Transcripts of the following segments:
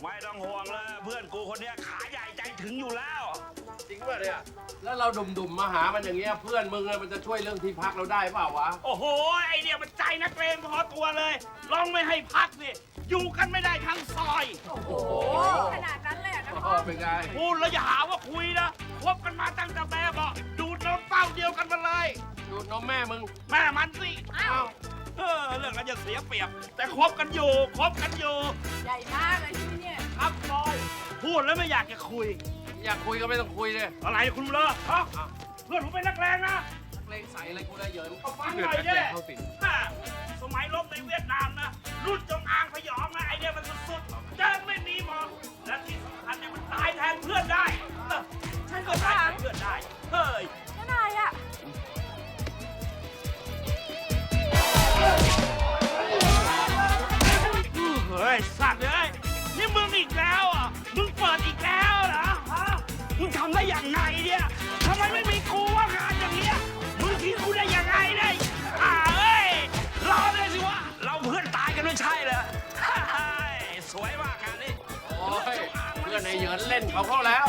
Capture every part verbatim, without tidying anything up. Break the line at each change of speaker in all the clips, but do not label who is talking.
ไม่ต้องห่วงเลยเพื่อนกูคนนี้ขาใหญ่ใจถึงอยู่แล้ว
จริงป่ะเนี่ยแล้วเราดุ่มๆมาหามันอย่างเงี้ยเพื่อนมึงมันจะช่วยเรื่องที่พักเราได้เปล่าวะ
โอ้โหไอเดียมันใจนักเลงพอตัวเลยลองไม่ให้พักสิอยู่กันไม่ได้ทั้งซอย
โอ้โหขนาดนั้นเลยนะพ่อ
เป็นไง
พูดแล้วอย่าหาว่าคุยนะคบกันมาตั้งแต่แม่บอกดูดนมเต้าเดียวกันมาเลย
ดูดนมแม่มึง
แม่มันสิ
อ้าว
เออเรื่องนั้นจะเสียเปรียบแต่คบกันอยู่คบกันอยู่
ใหญ่มากเลยที่เนี่ย
ครับบอยพูดแล้วไม่อยากจะคุย
อยากคุยก็ไม่ต้องคุยเลย
อะไรคุณเลอะฮะเพื่อนผมเป็นนักเลงนะ
นักเลงใส่อะไรกูได้เยอะ
เอาฟังหน่อยดิสมัยรบในเวียดนามนะรุ่นจงอางพยองนะไอเดียมันสุดๆเดินไม่มีมองและที่สำคัญเนี่ยมันตายแทนเพื่อนได้ฉันก็ตายแทนเพื่อนได้เฮ้ย
นั่นอะไรอ่ะ
เฮ้ยสัตว์เลยนี่มึงอีกแล้วอ่ะมึงเปิดอีกแล้วเหรอฮะมึงทำได้อย่างไงเนี่ยทำไมไม่มีกูว่างานอย่างเงี้ยมึงทิ้งกูได้ยังไงเนี่ยอ่าเอ้ยรอเลยสิวะเราเพื่อนตายกันไม่ใช่เหรอสวยมากงานนี้
โอ้ยเพื่อนในเหยินเล่นเขาเข้าแล้ว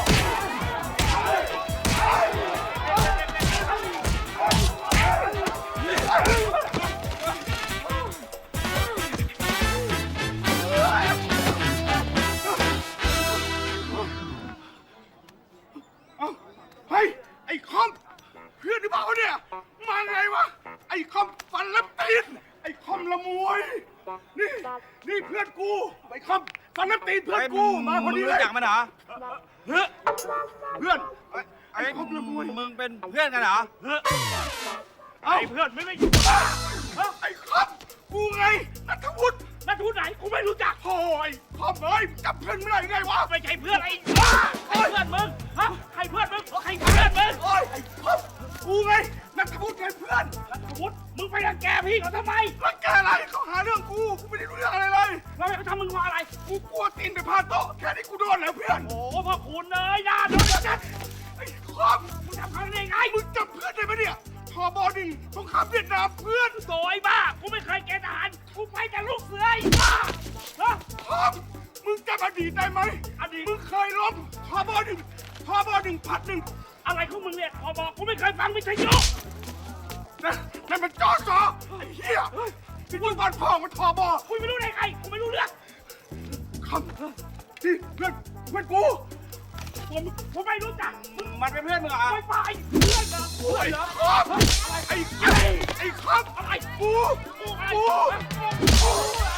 เฮ้ยไอ้คอมเพื่อนหรือเปล่าเนี่ยมาไงวะไอ้คอมฟันและตีนไอ้คอมละมวยนี่นี่เพื่อนกูไอ้คอมฟันและตีนเพื่อนกูมาพอดีเลย
รู้จักมันเหรอ
เฮ้ยเพื่อน
ไอ้คอมละมวยมึงเป็นเพื่อนกันเหรอเฮ้ยไอ้เพื่อนไม่ไม่
ไอ้คอมกูไงนัทวุฒิ
นัทวุฒิไหนกูไม่รู้จัก
โอ้ยคอมเอ้ยจับเพื่อนไม่ได้ไงวะ
ไม่ใช่เพื่อนไอ้ใครเพื่อนมึงฮะใครเพื่อนมึงใครเพื่อนมึง
โอ้ยไอ้คอมกูไงนัทวุฒิไงเพื่อน
นัทวุฒิมึงไปรังแกพี่เขาทำไม
รังแกอะไรเขาหาเรื่องกูกูไม่ได้รู้เรื่องอะไรเลย
แล้วเขาทำมึงว่าอะไร
กูกลัวตีนไปพาโต๊ะแค่นี้กูโดนแล้วเพื่อน
โอ้พ่อคุณเลยนะโดนจัด
ไอ้คอม
มึงทำเขาได้ไง
มึงจับเพื่อนได้ไหมเนี่ยทอบอหนึ่งสงครามเวียดนามเพื่อน
โวยบ้ากูไม่เคยเกณฑ์ทหารกูไปแต่ลูกเสือไอ้บ้าฮะ
คอมมึงจำอดีตได้ไหม
อดีต
มึงเคยล้มทอบอหนึ่งทอบอหนึ่งพัดหนึ่ง
อะไรของมึงเนี่ยทอบอกูไม่เคยฟังวิทยุ
นะนั่นมันจอจอไอ้เหี้ยที่มึงบ้านพ่อมันทอบอ
กูไม่รู้ได้ใครกูไม่รู้เรื่อง
คอมที่เพื่อนเพื่อนกู
ผมผมไม่รู้จัก
มันเป็นเพื่อนมึงเหรอ
ไม่ไปเพื่อนเหรอ
เพื่อนเหรอไอ้ไอ้ไอ้คอม
อะไร
กู
กู
กูกู